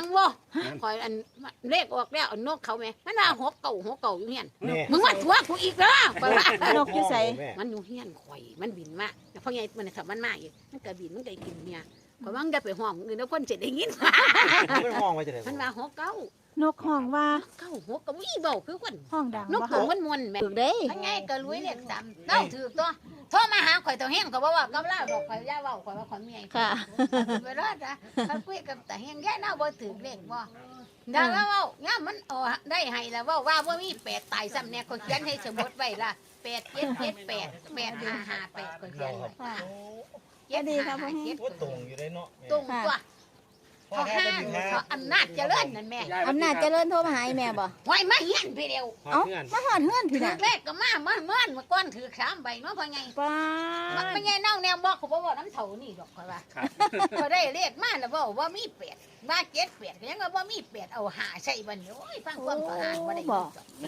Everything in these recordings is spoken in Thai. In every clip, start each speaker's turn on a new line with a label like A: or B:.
A: งบ่คอยอันเลขออกแล้วนกเขาแม่มันว่าหกเก่าอยู่เฮียนมึงมาตัวกูอีกเด้อไปว่าน
B: กอยู่ไส
A: มันอยู่เฮียนข่อยมันบินมาแล้วพ่อใหญ่มันถ้ามันมาอีกมันก็บินมันก็กินเนี่ยข่อยว่ามันจะไปห้องอื่นแล้วคนสิได้ยิน
C: มันห้องไว้จังได๋
A: มันว่าหกเก่าน
B: กห้องว่า
A: เก่าหกเก่าอีเบ้าคือคน
B: ห้องดัง
A: นก
B: บ่
A: ตัว
B: ค่ะ
A: มันมวนแม่
B: ถูกเด้
A: พ่อใหญ่ก็รวยเลข3เต้าถือตัวโทรมาหาข่อยตัวแห้งก็บ่ว่ากับลาวดอกข่อยย่าเว้าข่อยว่าข่อยเมีย
B: ค่ะ
A: เวลาจ้ะเขาคุยกับแต่แห้งแย่น่าบ่ถือเลขบ่ดังแล้วเว้าย่ามันได้ให้แล้วว่าบ่มี8ตายซ้ำแน่ข่อยเขียนให้สมมุติไว้ล่ะ8 7 7 8 8 5 5 8ข่อยเขียนไว้
B: ค่ะ
A: เจ็ด
B: ดีครับ
A: ห้า
B: พ่อแห้ง
A: เจ็ด
C: ว่าตรงอยู่ได้เนาะ
A: ตรงตัวเขาห้างเขาอำนาจเจริญนั่นแม่
B: อำนาจเจริญโทรมาหาอีแม่บ่
A: ไว้มาเฮียนพี่เดียว
B: เอ้ามาหอดเฮือนพี่
A: ถือ
B: น่ะ
A: เลขก็มาเมื่อก้อนถือ3ใบเนาะพ่อไง
B: ป้า
A: มันไม่ไงเน่าแนวบอกเขาบอกว่าน้ำเถานี่ดอกข่อยว่าเขาได้เลขมาแล้วบอกว่ามี8มา7 8ก็ยังว่ามี8เอา5ใส่บัดนี้โอ้ยฟังความก็หาบ่ได้
B: โอ้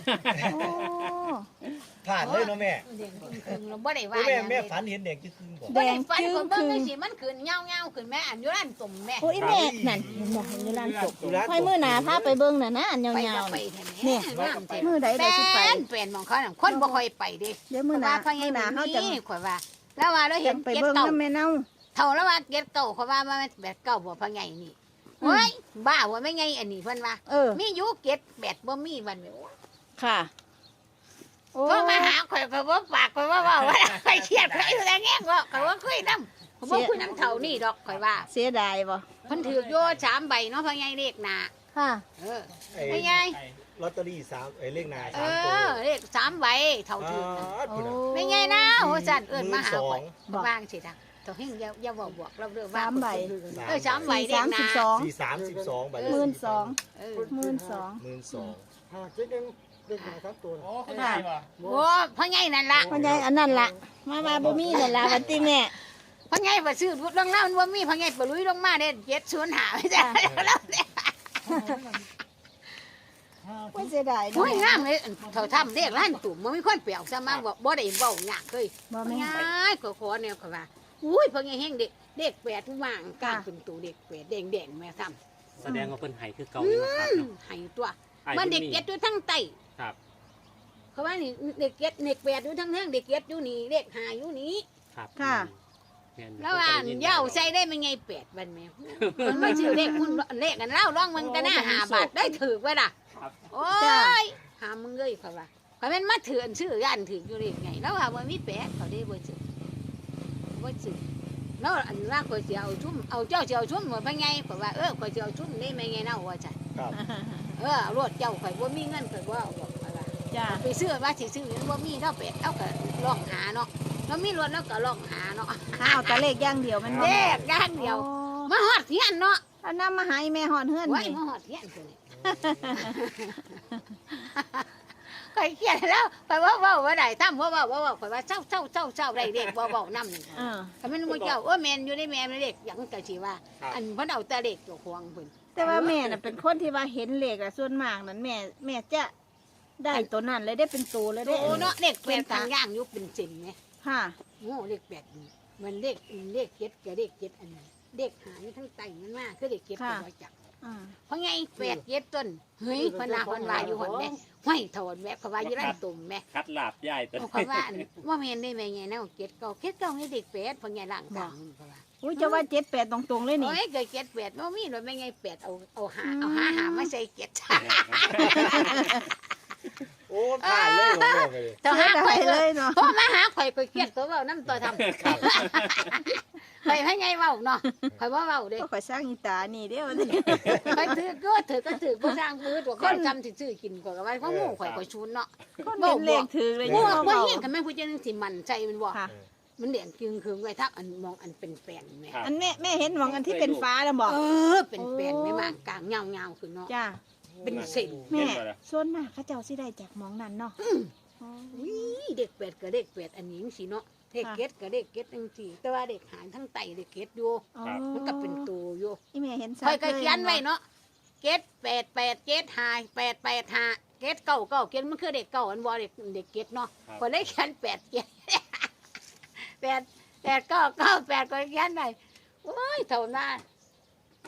C: ผ่านเลยเนาะแม่
A: เด็กเราบ่ได้ว่า
C: แม่ฝันเห็นเด็กคือบ่
A: บ่ได้ฝันคนเบิ่งจังซี่มันขึ้นเงาๆขึ้นแม่อันอยู่ร้านตุ่มแม่
B: โอ้ยแม่นั่นเห็นบ่เห็นอยู่ร้านกบค่อยมื้อหน้าพาไปเบิ่งน่ะนะอันย
A: ไป
B: าว
A: ก็
B: ๆ
A: ไป
B: นี่
A: แท้แม่
B: มื้อใดได้สิไป
A: เป็นหมองเขาน่ะคนบ่ค่อยไปเด้
B: เดี๋ยวมื้อหน้า
A: พ่อใหญ่
B: มื้อหน้าเฮาจะ
A: นี่ข่อยว่า แล้วว่าเราเห็
B: จะ
A: น
B: ไป
A: เก็ด
B: เบิ่ง
A: เก่า
B: นำแม่เน่า
A: เท่าแล้วว่าเก็ดเก่าเขาว่ามันแบบเก่าบ่พ่อใหญ่นี่เฮ้ยบ้าว่าไม่ไงอันนี้เพิ่นว่า
B: เออ
A: มีอยู่เก็ดแบบบ่มีวันแม่
B: ค่ะโอ้
A: ก็มาหาข่อยก็บ่ปากข่อยว่าว่าไปเครียดไปอยู่แล้วแง่ก็ข่อยว่าคุยนำบ่คุยนำเท่านี่ดอกข่อยว่า
B: เสียดายบ่
A: เพิ่นถืออยู่3ใบเนาะพ่อใหญ่เลขหน้า
B: ค่ะ
A: เออ
C: ไอ้
A: พ่อใหญ่
C: ลอตเตอรี่3เลขหน้า
A: เอ
C: 3ตัว
A: อเลข3ใบเท่าถือนะ
B: โอ้
A: ไม่ไงนะโหสั่นเอิ้นมาหาข่อย
B: บอก
A: วางสิทางตัวเฮงอย่าบอกเราเรื่องว่า
B: 3ใบ
A: 3ใบเด็กนะ
B: 42
C: 43 12ใบ
B: 12,000
A: เออ
C: 12,000
D: หาเจ๊ยังเด็กหาครับตัว
E: โอ้เข้าใจว่ะ
A: โอ้พ่อใหญ่นั่นล่ะ
B: พ่อใหญ่อันนั้นล่ะมาบ่มีนั่นล่ะวันติแม่
A: พ่อใหญ่บ่ซื้อรถลงแล้วมันบ่มีพ่อใหญ่บ่ลุยลงมาเด้705ไม่ใช่แล้ว
B: ไม่เสียดาย
A: โอ้
B: เนาะ
A: ยงามเลยเท่าทำเด็กร้านตุ่มบ่มีคนเปรียวซะมาบ่ได้เว้ายากเลย
B: บ่
A: พ่อ
B: แม่
A: ใหญ่ขอแนวเขาว่าอุ้ยพ่อใหญ่แฮงเด็ก8ทุกว่างกลางเป็นตัวเด็ก8แดงๆแม่ซ้ำ
E: แสดงว่าเพิ่นไห้คือเก่าอยู่นะครับเนาะ
A: ให้ตัว
E: ไอ้
A: มัน
E: เพิ่
A: เด็ก
E: มี
A: เก็ดอยู่ทั้งใต้
E: ครับ
A: เขาว่านี่เด็กเก็ดเด็ก8อยู่ทั้งเทิงเด็กเก็ดอยู่นี่เด็ก5อยู่นี่
E: ครับ
B: ค่ะ
E: ม่น
A: แล้วอ่านเหย้าใส่ได้ไม่ไง8บันแมวมันไม่ชื่อเลขคุณเลขกันเล่าร้องมึงก็น่า5 บาทได้ถือไว้ล่ะ
E: ครับ
A: โอ้ยหามึงเลยเขาว่าเขาเป็นมาถืออันชื่อย่านถืออยู่เลขไงแล้วว่ามันมี8เขาได้บ่ซื้อบ่ซื้อแล้วอันว่าข่อยสิเอาชุ่มเอาเจ้าสิเอาชุ่มหมดไปไงข่อยว่าข่อยสิเอาชุ่มนี่ไม่ไงเนาะว่าจ้ะ
C: ครับ
A: รถเจ้าข่อยบ่มีเงินข่อยบ่เอาบอกข่อยว่า
B: จ้า
A: ไปซื้อว่าสิซื้อมันบ่มีเท่าเป็ดเอาก็ลองหาเนาะแล้วมีรถแล้วก็ลองหาเนาะ
B: เอาแต่เลขอย่างเดียวมันบ่
A: เลขอย่างเดียวมาฮอดเฮียนเนาะ
B: อันนำมาให้แม่ฮอดเฮือน
A: ไว้
B: นี่
A: มาฮอดเฮียนตัวนี้ข่อยเครียดแล้วข่อยว่าบ่ได้ทำข่อยว่าเจ้าได้เลขบ่นำนี่
B: เออ
A: ก็มันบ่เจ้าแม่นอยู่ในแม่เลขหยังก็สิว่า อันเพิ่นเอาแต่เลขเจ้าของเพิ่น
B: แต่ว่าแม่น่ะเป็นคนที่ว่าเห็นเลขอะส่วนมากนั้นแม่จะได้ตัวนั้นเลยได้เป็นตัวเลยได้
A: โอ้เนาะเลขแปดทางย่างอยู่เป็นเส้นไง
B: ค่ะ
A: โง่เลข8นี่มันเลขเจ็ดกับเลข7อันนี้เลขหาอยู่ทั้งใต้มันมาคือเลข7ก็บ่จัก
B: อ่า
A: เพราะไง8 7ต้นเฮ้ยเพิ่นน่ะเพิ่นว่าอยู่หั่นแม่ห้อยถอนแม่เขาว่าอยู่ร้านตุ่มแม่
E: คัดลาบใหญ่ตัว
A: เขาว่าอันว่าแม่นได้แม่ไงแนว7 9ให้เด็ก8เพิ่นไงล่างกลางเขาว่า
B: อุ้ยจะว่า78ตรงๆเลยนี่
A: โอ้ยเกิด7 8บ่มีรถแม่ไง8เอาหามาใส่7
C: โอ้ผ่านเลยบ่แม่
A: ต่อ
B: เสี
A: หาย
B: ดา
A: ข่อย
B: ยเลยเนาะ
A: พอมาหาข่อยก็เครียดตัวเว้านํตัวทำข่อยให้ไงเว้าเนาะข่อยบ่เว้าเด้
B: ก็ข่อยสร้างอีตานี่เด้อวันนี้
A: ข่อยถือก็ถือบ่สร้างมือตัวคนจำสิซื้อกินกว่าก็ว่าเพราะหมู่ข่อยก็ชุนเนาะ
B: คนเห็นเลขถือเลย
A: บ่
B: เนาะ
A: บ่เฮียนกันแม่ผู้เจ้านึงสิมันใจมันบ่
B: ค่ะ
A: มันเลี้ยงจึงคือไว้ทักอันมองอันเป็นแปลนแม่
B: อันแม่เห็นหมองอันที่เป็นฟ้าแล้วบอก
A: เป็นแปลนแม่มากกลางเงาๆขึ้นเนาะ
B: จ้า
A: เป็นเส้น
B: แม่ส่วนมากเขาเจ้าสิได้จากหมองนั้นเนาะอ๋อ
A: อุ้ยเด็กเป็ดกับเด็กเป็ดอันนี้จังซี่เนาะเด็กเก็ดกับเด็กเก็ดจังซี่แต่ว่าเด็กหางทั้งไตเด็กเก็ดอยู่
B: อ๋อ
A: มันก็เป็นตัวอยู่
B: อีแม่เห็นชัด
A: ข่อยก็เขียนไว้
B: ล
A: เนาะเก็ด8 8เก็ด5 8 8 5เก็ด9 9เก็ดมันคือเด็กเก่าอันบ่เด็กเก็ดเนาะข่อยเลยเขียน8เก็ด8 8 9 9 8ข่อยเขียนได้โอ้ยเท่านั้น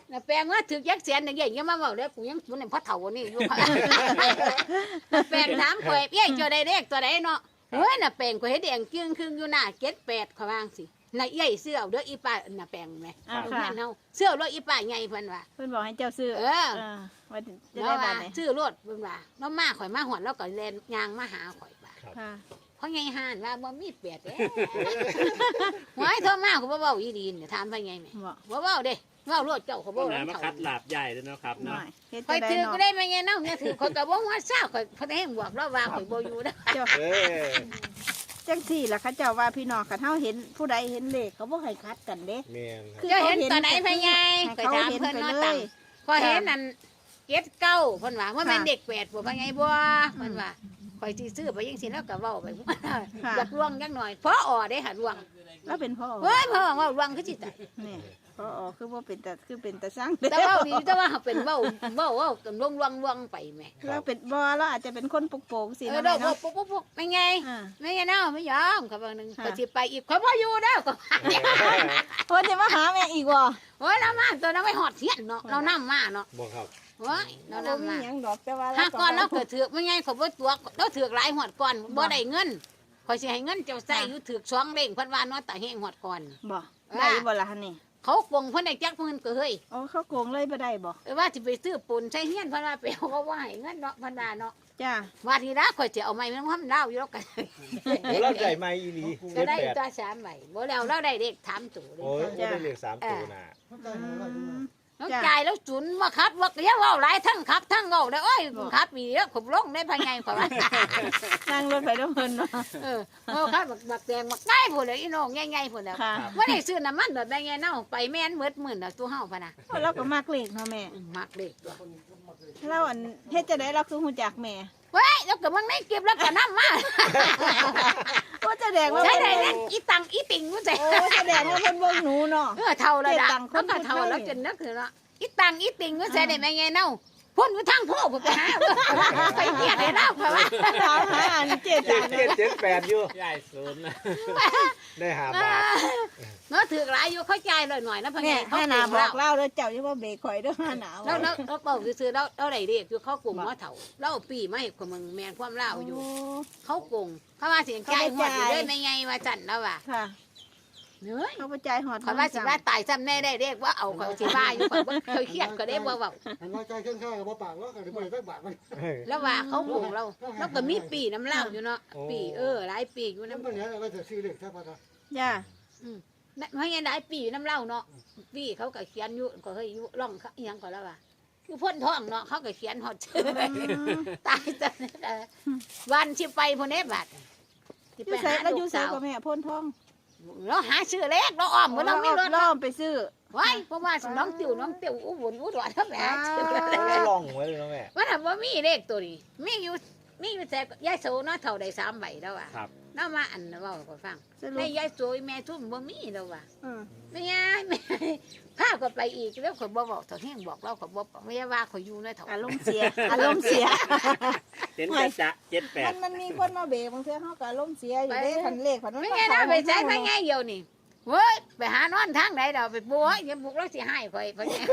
A: น่ะแปลงว่าถือยักษ์แสนอย่างเงี้ยมาเว้าแล้วกูยังมันเป็นพ่อเฒ่านี่อยู่ แปลงถามข่อยเอ้ยเจ้าได้เลขตัวใดเนาะเฮ้ยน่ะแปลงข่อยเฮ็ดแดงจึงครึ่งอยู่หน้า78เขาว่าจังซี่น่ะเอ้ยเสื้อเอาเด้ออีป้าน่ะแปลงแม่
B: อ่า
A: เอา
B: ค่ะ
A: แม่นเฮาเสื้อรถอีป้าใหญ่เพิ่นว่า
B: เพิ่นบอกให้เจ้าซื้อ
A: เออ
B: ว่าจะ
A: แล้
B: ได้
A: ว
B: บา
A: ว่า
B: ทไหน
A: ซื้อรถเพิ่นว่าแล้วมาข่อยมาหอนแล้วก็แล่นยางมาหาข่อยว่า
B: ค่ะ
A: เพราะไงห่านว่าบ่มีเป็ดเด้ หวยโทรมาเขาบ่เว้าอีดีเนี่ยถามไปไงแม่
B: บอก
A: บ่เว้าเด้เว้ารถเจ้าเขา
E: ต้
A: บ่
E: นไหน
A: เว้า
E: มา
A: เขา
E: คัดหลาบใหญ่ด้วยเนาะครับ
B: หน่
E: เนาะ
B: อยเฮ็ด
A: ข่อย
B: จะได้
A: ถือ
B: เนาะ
A: ก็ได้มาไงเนาะเนี่ยถือข่อยก็บ่ฮู้ว่าเช้าข่อยเพิ่นให้บวกแล้วว่าข่อยบ่อยู่เด้อ
B: เจ้า
C: เออ
B: จังสี่ล่ะเขาเจ้าว่าพี่น้องคันเฮาเห็นผู้ใดเห็นเลขเขาบ่ให้คัดกันเด้
C: แม่นครับ
A: เจ้าเห็นตอนไหนไปไง
B: ให้
A: ข่อย
B: เขา
A: ถาม
B: เห็น
A: เพิ่น
B: ไป
A: เนาะ
B: เล
A: ตัง
B: ย
A: ข่อยเห็นนั่น79เพิ่นว่าว่าแม่น
B: ค่ะ
A: เด็ก8บ่ไปไงบ่เพิ่นว่าข่อยสิซื้อไปจังซี่แล้วก็เว้าไป
B: ค่ะ
A: อยากลวงจักหน่อยพออได้หาลวง
B: แล้วเป็นพ่อ
A: เฮ้ยพ่อว่าลวงคือสิตาย
B: นี่พ่อคือว่าเป็นแต่สร้าง
A: แต่ว่าดีแต่ว่าเขาเป็นเว้ากันลวงไปแม่
B: เราเป็นบ่เราอาจจะเป็นคนโป่งๆสิ
A: เออ
B: เนาะ
A: ดอก
B: แม่เนาะ
A: ปุ๊บไม่ไง
B: อ่า
A: ไม่ไงเนาะไม่ยอมเขาบอกนึง
B: ค่ะ
A: ก็สิไปอีกเขาบ่อยู่แล้วก็
B: เพิ่นจะมาหาแม่อีกบ่
A: โอ้ยเรามาตัวนั้นไม่หอดเทียนเนาะเรานำมาเนาะ
C: บอกครับ
A: โอ้ยเรา
B: เรา
A: นำ
B: มี
A: มา
B: หยังดอกแต่ว่า
A: ถ้าก่อนเราเกิดถือกไม่ไงเขาบ่ตัวเราถือกหลายหอดก่อนบ่ได้เงินข่อยสิให้เงินเจ้าใส่อยู่ถือก2เล่งเพิ่นว่าเนาะแต่แห้งหอดก่อน
B: บ่ได้บ่ล่ะหั่นนี่
A: เขาโกงเพิ่นได้จักเพิ่นก็เฮ้ย
B: อ๋อเขาโกงเลยบ่ได้บ่
A: ว่าสิไปซื้อปูนใช้เฮียนเพิ่นว่าไปเอาเขาว่าให้เงินเนาะเพิ่นว่าเนาะ
B: จ้า
A: ว่าทีละข่อยจะเอาไม้มันทำดาวอยู่แล้วกัน
C: โอ้เราใจไม่อีหลี
A: ก็ได้
C: 78
A: ตัว3ใบบ่แล้วเราได้เลข3ตัวเลย
C: โอ้ยได้เลข3ตัวน่ะ
D: เขาใจหายว่าอยู่มา
A: แล้วจ่ายแล้วจุนมาครับว่าเดี๋ยวเว้าหลายทั้งครับทั้งเว้าได้โอ้ยครับมีแล้วขบลงได้ภายในข่อยว่า
B: นั่งรถไปด้วยเพิ่นเนาะ
A: เออเอาครับบักแดงบักได้พุ่นเลยอีน้องใหญ่ๆพุ่นแล้ว
B: ค่ะ
A: บ่ได้ซื้อน้ำมันแบบใดไงเนาะไปแม่นหมดหมื่นแล้วตัวเฮาพะนะ
B: เราก็มักเลขเนาะแม่
A: มักเลขตัว
B: เราอันเฮ็ดจะได้เราคือฮู้จักแม่
A: เว้ยแล้วก็มันไม่เก็บแล้วก็นำมา
B: ว่าจะแดงว่า
A: ใช้
B: เพิ่น
A: ได้นั่นอีตังอีติงกูใจ
B: โอ้แสดงว่าเพิ่นเบิ่งหนูเนาะ
A: เท่าแล้วดะ
B: เก็บตังค์คน
A: แล้วก็เท่า
B: ผู้ไทย
A: แล้วจนนึกคือเนาะอีตังอีติงกูใช้ได้แม่ไงเนาะพ่นอยู่ทางโพกไปหาไปเกียดให้เราค่ะว่า
B: ถามหาอันเจ็ด
C: เจ็ดเจ็ดเจ็ดแปดอยู่
E: ใหญ่ศูนย์นะ
C: ได้5 บาท
A: เนาะถือหลายอยู่เข้าใจหน่อยๆนะพ่อ
B: แม่
A: ใหญ่เขา
B: ห้าหนาบอกเล่าเด้อเจ้าอย่าว่าเบรกข่อยเด้อห้าหนา
A: แล้วเราเป่าซื้อๆเราได้เรียกอยู่เขากลุ่มว่าเถ่าเราเอาปีมาให้คนมึงแมนความเล่าอยู่ เขาโกงเขาว่าเสียงใจหมดอยู่เลยไม่ไงว่าจันแล้วว่ะ
B: ค่ะ
A: เนื้อ
B: เขาไปจ่ายหอด
A: เขาว่าสิว่าตายซ้ำแน่ได้เรียกว่าเอาเขาสิว่าอยู่ก่อนว่าเคยเครียดก็ได้ว่า
D: หันน้อยใจเครื่องข้าวกับบ่ปากว่าก็ได้บ่ได้สักบาทมัน
A: แล้วว่าเขาโกงเราแล้วก็มีปีน้ำเล่าอยู่เนาะปีหลายปีอยู่
D: นั่น
A: น้ำ
D: เป็นยังเราจะซื้อเลขใช่ป่ะครับ
B: จ้า
A: ไม่ไงหลายปีอยู่น้ำเล่าเนาะปีเขาก็เขียนอยู่ก็เฮ้ยอยู่ร่องเขาอีหยังก็แล้วว่าอยู่พ่นท้องเนาะเขาก็เขียนหอดชื่อตายจังวันที่ไปพวกนี้บัด
B: อยู่ใส่แล้วอยู่ใส่กับแม่พ่นทอง
A: เราหาชื่อเล็กเราอ้อมเหมือนเราไม่รถ
B: ล้อมไปซื้อ
A: ไว้เพราะว่าน้องติ๋วอุบลอุดรถ้าแม่ชื่อ
C: ได้ลองไว้เลยนะแม่
A: ว่าถามว่ามีเลขตัวนี้มีอยู่แต่ยายโสเนาะเท่าใด3ใบแล้วอ่ะ
E: ครับ
A: เนาะมาอันเว้าก็ฟัง
B: สรุ
A: ใน
B: ป
A: ยายโสแม่ทุ่มบ่มีแล้วว่ะ
B: อืม
A: ไม่ไงแม่พาก็ไปอีกแล้วข่อยบ่บอกเท่าแห้งบอกเราข่อยบ่ไม่ได้ว่าข่อยอยู่ในเท่า
B: อารมณ์เสียอารมณ์เสีย
E: เห็นจะ78
B: มันมีคนมาเบรกบางเทื่อเขาก็อารมณ์เสียอยู่เด้คันเลขคันมัน
A: ไม่ไงนะไปใช้ไม่ไงเดียวนี่เว้ยไปหานอนทางไหนเราไปบัวอย่าบุกแล้วสิให้ข่อยเพราะเนี่ย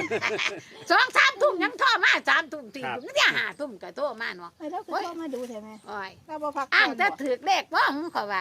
A: 2-3 ทุ่มยังโทรมา3 ทุ่ม4 ทุ่มนี่5 ทุ่มก็โทรมาเนาะ
B: ไอ้เราก็เข้ามาดูใช่ไหม
A: โอ้ย
B: เราบ่พัก
A: อ้าง
B: ผ่อน
A: จะ
B: บ่
A: ถือเลขว่าของเขาว่า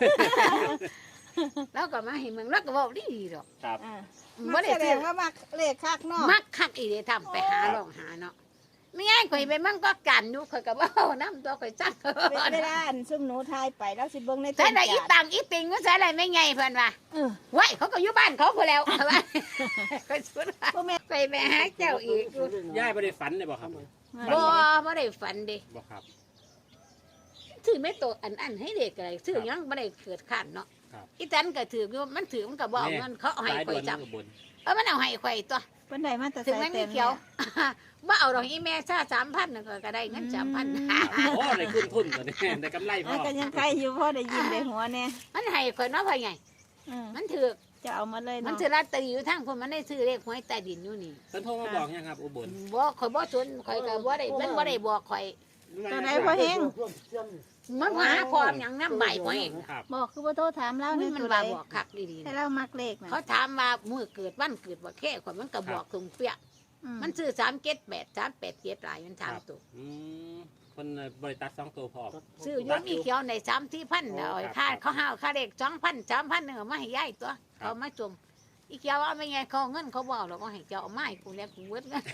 A: แล้วก็มาให้มึงแล้วก็บอกดีดอก
E: ครับ
B: อ่า
A: บ่
B: มั
A: ได้
B: แสด
A: ถื
B: ง
A: อ
B: ว่ามักเลขคักเนาะ
A: มักคักอีเดทำไปหาลองหาเนาะไม่ง่ายข่อยไปมันก็กันอยู่ข่อยก็บ่น้ำตัวข่อยจัก
B: เวลาอันซุ่มหนูทายไปแล้วสิเบิ่งใน
A: ใส่ได้อี
B: จาน
A: ตังอีติงก็ใส่ได้ไม่ไงเพิ่นว่า
B: เออ
A: ไว้เขาก็อยู่บ้านเขาพุ่นแล้วว่าข่อยสุดว่า
B: พ่อแม่
A: ไปแม่หาเจ้าอีก
E: ย่ายบ่ได้ฝันเลยบ่ครับ
A: บ่ได้ฝันเด้
E: บ่ครับ
A: ถือไม่โตอันให้เด็กอะไรถือยังบ่ได้เกิดขันเนาะ
E: ครับ
A: อีตันก็ถืออยู่มันถือมันก็บ่เอาเงินเขาเอาให้
E: สาย
A: ข่
E: ด่
A: อ
E: วย น
A: จับ
E: อุบล
A: มันเอาให้ข่อยตัว
B: เพิ่นได้มาแต่
A: ถึง
B: ใส่
A: แม่ง
B: เต็
A: มี
B: ม
A: เขียว บ่เอาดอกอีแม่ซ่า3,000ก็ได้เงิน3,000
E: โอ้ได้ขึ้นทุนตัวนี้ได้กำไรพ
B: อ่ะ
E: อ
B: ก็ยังใครอยู่พ่อได้ยินได้หัวแน่
A: มันให้ข่อยเนาะพ่อใหญ่
B: อืม
A: มันถือ
B: จะเอามาเลย
A: มัน
B: เนาะ
A: ถือลอตเตอรี่อยู่ทางพุ่นมันได้ซื้อเลขหวยใต้ดินอยู่นี่
E: เพิ่นโทรมาบอกยังครับอุบล
A: บ่ข่อยบ่สนข่อยก็บ่ได้มันบ่ได้บอกข่อย
B: ตัวไหนพ่อเฮง
A: มันมาหาพ่อหยังน้ำใบพ่อเอง
E: ครับ
B: บอกคือบ่โทรถามเราใน
A: มัน
B: ตัว
A: ว่า
B: ใด
A: บอกคักดีๆ
B: ให้
A: นะ
B: เรามักเลขนะ
A: เขาถามว่ามื้อเกิดวันเกิดบ่แค่ข่อยมันก็บอกตรงเปี้ย มันซื้อ378 387หลายมันถามตัว
E: อืมคนบริษัท2ตัวพอ
A: ซื้อยกมีเขียวใน3-4,000แล้วค่าเขาห้าวค่าเด็ก2,000 3,000นึงมาให้ยายตัวเขามาจมอีเขียวเอาไม่ไงเขาเงินเขาบอกหรอกว่าให้เจ้าเอาไม้กูแล้วกูเบิดเงิน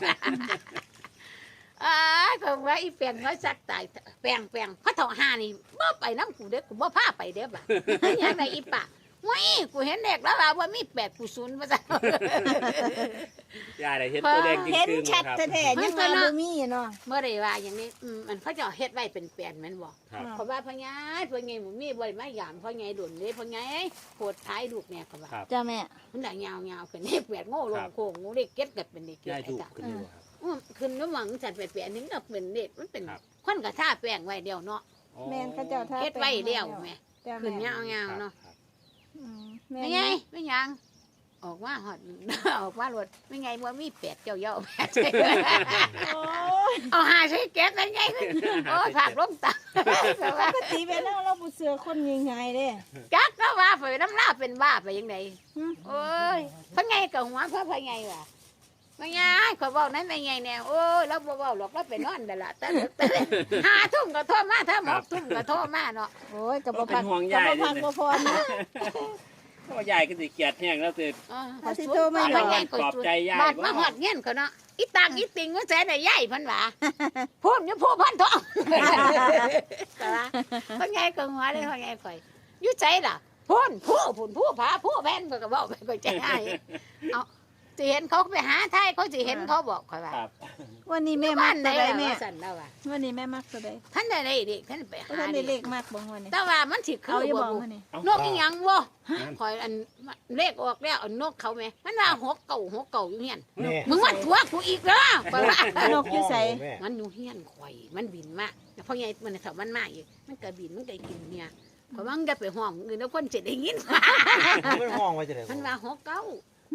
A: ก็ว่าอีแปลงน้อยสักตายแปลงพระเถาหานี่บ่ไปน้ำกูเด้อกูบ่พาไปเด้อบ่ะยังไงอีป่ะว้ยกูเห็นเด็กแล้วว่ามี8กู0ว่าซั่น
E: ยายได้เห็นตัวแดงจริง
B: เห็น
E: ๆ
B: ชัด
E: ครับ
B: แท้ๆยังว่าบ่มีเนาะ
A: เมื่อใดว่าอย่างนี้มันเขาเจ้าเฮ็ดไว้เป็นแปลนแม่นบ่
E: ครับ
A: เพราะว่าพ่อใหญ่บ่มีบ่ได้มายามพ่อใหญ่ดุนเด้พ่อใหญ่โพดท้ายลูกแม่ก็ว่า
E: ครับ
B: จ้าแม่
A: มันได้ยาวๆเป็นเด็กแปดโง่ลงโค้งงูเด็กเก็ดก็เป็นเด็กเก็ด
E: ยาย
A: ไอ้
E: ถูก
A: ตา
E: ขึ้นอยู่ครับ
A: ขึ้นน้ำหวังจัดไปแปลนนึงก็เป็นเด็กมันเป็น
E: ครับ
A: คนก็ท่าแป้งไว้เดียวเนาะ
E: อ๋อ
B: แม่นเขาเจ้าท่า
A: เฮ็ดไว้เดียวแม่
B: จ้า
A: ขึ้น
B: แม่
A: ยาวๆเนาะ
E: ครับ
B: แม่
A: ไม่ไงไม่ยังออกมาฮอด ออกมารถไม่ไงบ่มี8เจ้าเย้าแม่
B: โอ้ย
A: เอาหาใส่แก๊สได้ไงโอ้ยผักลงตา
B: ปกติไปแล้วเราบ่เสือคนง่ายๆเด้
A: จักก็ว่าไปน้ำลาเป็นบ้าไปยังไง
B: หึ
A: โอ้ยพ่อไงกับหัวพ่อไงว่ะพ่อไงขอยบอกนั้นไม่ไงแนวโอ้ยเราบ่เว้าหรอกเราไปนอนแต่ละแต่5 ทุ่มก็โทรมาถ้า6 ทุ่มก็โทรมาเนาะ
B: โอ้ยก็บ่
E: เป็
B: พัก
E: นห่วง
B: ก็
E: ยาย
B: บ่พัก
E: ด้วย
B: บ่พอนะ
E: เพราะว่ายายก็สิเกลียดแห้งแล้วสิ
B: ถ้าสิโทรมา
A: พ่อไงก็
E: ปลอบใจยาย
A: บาดมาหอดเงี้ยนเขาเนาะอีตางอีติงก็แสนได้ใหญ่พันว่าพูดอยู่ผู้พันทองแต่ว่าพ่อไงก็หัวเลยพ่อไงข่อยอยู่ใจล่ะพูนผู้ผาผู้แผ่นเพิ่นก็บอกไปก็ใจให้เอาสิเห็นเขาไปหาไทยเขาสิเห็นเขาบอกข่อยว่า
E: ครับ
B: วันนี้แม่มั
A: บ้าก นไหน
B: ตัวใด
A: ล่ะ
B: แม่
A: ว่าสั่นแล้วว่า
B: วันนี้แม่มักตัวใด
A: ท่านได้เลขท่านไป
B: บ่
A: หา
B: ทันได้เลขมากบ่วันนี้
A: แต่ว่ามันสิคื
B: เอา
A: อ
B: อย่า
A: บ่
B: บอก
A: บุ
B: วันนี้
A: นกอีหยังบ่
E: นั่น
A: ข่อยอันเลขออกแล้วเอานกเขาแม่มันว่า6 เก่าอยู่เฮียน
C: นี่
A: มึงมาตัวกูอีกเด้อข่อยว่า
B: นกอยู่ไส
C: แม่
A: มันอยู่เฮียนข่อยมันบินมาแต่พอใหญ่มันถ้ามันมาอีกมันก็บินมันก็กินเนี่ยข่อยว่ามันจะไปห้องอื่นแล้วคนจะได้ยิน
C: มันห้องไว้จะไหน
A: มันว่า6 เก่าน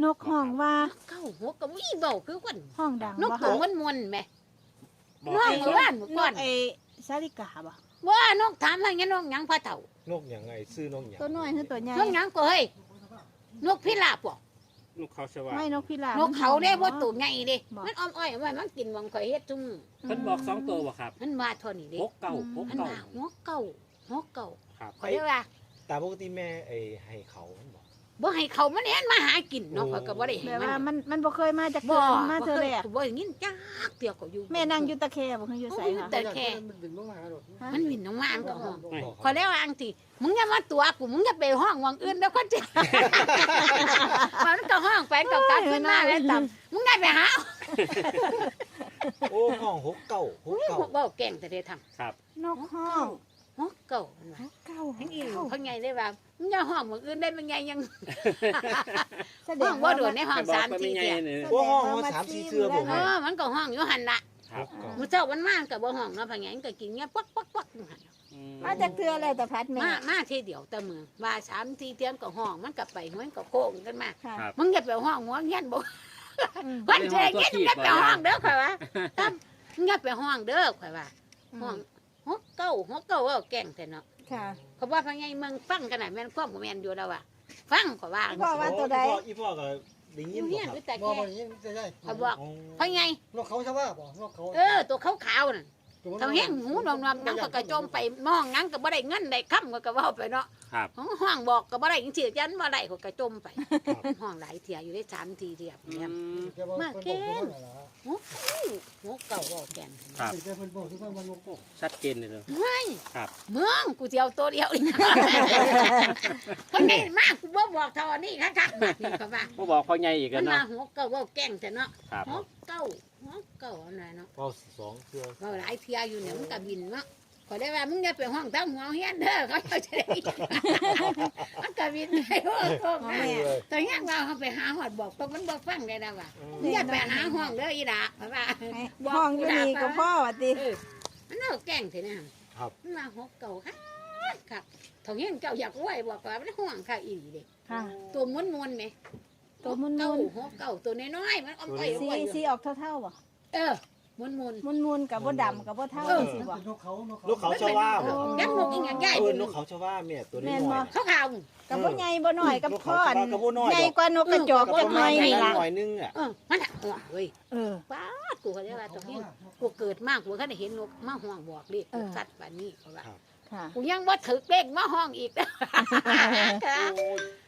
B: กห้องว่า
A: เก่า6 เก่าอีเบาคือคน
B: ห้องดัง
A: นก
B: บ่
A: ตัว
B: คะ
A: มวนๆแม่
E: บอก
A: น้อง
E: ให้
A: เมื่อวานเมื่อก่อน
B: ไอ้สาลิกาบ่
A: ว่านกถามว่าอย่างนกหยังพระเฒ่าน
C: กอย่างไงซื้อนกอย่าง
B: ตัวน้อยคือตัวใหญ่
A: นกหยังก็เฮ้ยนกพิราบบ่
E: ลูกเขาสว่า
B: ไม่นกพิราบ
A: นกเขาเด้บ่ตัวใหญ่เด้
B: บ่
A: มันอ้อมอ้อยไว้มันกินหวังข่อยเฮ็ดซุมื้อ
E: เพิ่นบอก2ตัวบ่ครับ
A: มันมาเท่านี้เด้
E: 6 เก่า
A: มันว่า6 เก่า6 เก่า
E: ครับ
A: ข่อยเลยว่า
C: ตามปกติแม่ไอ้ให้เขามันบอก
A: บ่ให้เขามันเห็นมาหากินเนาะข่อยก็บ่ได้ให้
B: แบบ
A: มั
B: ว่าน มันบ่เคยมาจาก
A: บ่
B: เกินมาเธอแรก
A: บ่ได้ยินจักเดียวก็อยู่
B: แม่นั่งอยู่ตะแคบ่คืออยู่ไสค่ะ
A: แต่แค่
D: มันดึงลงมาหาดอก
A: มันวินน้องมาอันก็ห้อง
C: บอก
A: ขอแล้วอังที่มึงอย่ามาตัวกูมึงอย่าไปห้องวังอื่นแล้วก็จะมันก็ห้องไปกับกลับขึ้นมาแล้วตำมึงได้ไปหา
C: โอ้ห้องหกเก่าห
A: โอ้
C: ก
A: ย
C: เก่า
A: เว้าแก่งแต่ได้ทำ
E: ครับ
B: นกห้อง
A: ฮอกเก่ามันว่า
B: เก้า
A: ทั้งอีเพิ่นไงได้ว่ามึงอย่าห้องวังอื่นได้มันไงยัง
B: แสด
A: ห้อง งบ่โดนในห้อง
E: บอก
A: 3
E: ว่าไม่
A: 4
E: ไง
A: เที่ย
E: เนี่ย
C: โอ้ห้องมา3-4เทื่อผม
A: เออมันก็ห้องอยู่หั่นล่ะ
E: ครับ
A: มื้อเช้ามันมาก็บ่ห้องเนาะเพิ่นไงมันก็กินเงี้ยปักอยู่หั่น
E: อืม
B: มาจากเทือแล้วแต่พัดแม่
A: มาทีเดียวแต่มือว่า3-4เที่ยงก็ห้องมันก็ไปมันก็โค้งกันมา
B: ค่ะ
E: ครับ
A: มึงอย่าไปห้องหัวเงี้ยนบ่
B: อืม
A: วันเช้าเงี้ยนมึงอย่าไปห้องเด้อข่อยว่าตั้มมึงอย่าไปห้องเด้อข่อยว่าห้องฮกเก้าว่าแก่งแต่เนาะ
B: ค่ะ
A: เขาว่าพังไงเมืองฟังกันน่ะแม่นความบ่แม่นอยู่แล้วว่ะฟังข่อยว่า
B: พ่อว่าตัวใด
C: อีพ่อก็ได้
A: อ
C: ยิน
A: ยู่
C: บ่
A: เฮียน
C: ครับ
A: อยู่แต่
D: บ่
A: แค่
D: บ่ยินจะได้
A: ข่อยบอกพังไง
D: นกเขาชาวบ้านบ่นกเขา
A: ตัวขาวๆน่ะเท่าแห้งหูนอมๆนังก็กระโจมไปมองนังก็บ่ได้เงินได้ค่ำก็เว้าไปเนาะ
E: ครับ
A: ห้องบอกก็บ่ได้จังซี่ยันบ่ได้ก็กระโจมไปห้องหลายเที่ยอยู่ได้3 4เที่ย
E: อื
A: เนี่ย
E: ม
A: มาเกณฑ์ ฮกเก้าว่าแก่น
E: ครับ
D: แต่เพิ่นบอกที่ว่ามันนก
E: ชัดเจนเลยเนอะ
A: ไม่
E: ครับ
A: เมืองกูสิเจียวตัวเดียวอีกคนนี้มากกูบ่บอกเท่านี้คักๆแบบนี้ก็ว่า
E: บ่บอกพ่อใหญ่อีก
A: มั
E: กัน น
A: มา
E: เนาะ
A: หัวเก่าว่าแก่งแต่เนาะ
E: ครับ
A: หัวเก่าอะไรเนาะ
C: เว้า2เทื่อ
A: ว่าหลายเที่ยอยู่เนี่ยมันก็บินเนาะขอได้ว่ามึงอย่าไปห้องตั้งหัวเฮียนเด้อเขาจะได้มันก็บินไปห้องนะแต่เฮียนว่าเขาไปหาหอดบอกตรงมันบ่ฟังได้นะว่ามึงอย่าไปหาห้องเด้ออีดาเพราะว่า
B: ห้องอยู่นี่ก็พ่อว่าติ
A: มันเอาแก่งเถอะนะ
C: ครับ
A: มันมาหัวเก่าครับทองเฮียนเจ้าอยากไหวบอกว่ามันห่วงข้าอีเด็
B: ค่ะ
A: ตัวม้วนๆไหม
B: ตัวม้วนๆ
A: เก่าหัวเก่าตัวน้อยๆมันอ้อมไป
B: สี
A: ไว้
B: สีออกเท่าๆบ่
A: เออมวน
B: มุนๆกับบ่ดำกับบ่เท่าสิบ่
D: เป็นนกเขานก
C: นกเขาชวาบ่
A: ยักษ์นกอีหยังใหญ่
C: นกเขาชวาแม่ตัวนี้
B: แม่น
C: ห
B: บ่
C: น่อย
A: เขาขาว
B: กับบ่ใหญ่บ่น้อยกับ
C: นก
B: พ่อ
C: เขาชวากับบ่น้อย
B: ใหญ่
C: ดอก
B: กว่านกกระจอกจักหน่อยนี่ล่ะ
C: หน่อยนึงอ่ะ
A: มันเฮ้ย
B: เออ
A: ป้ากูก็ได้ว่าตรงนี้กูเกิดมากกูก็ได้เห็นนกมาห้องบอกเลขสัตว์แบบนี้เขาว่า
B: ค่ะ
A: กูยังบ่ถึกเลขมาห้องอีก
C: โอ้ย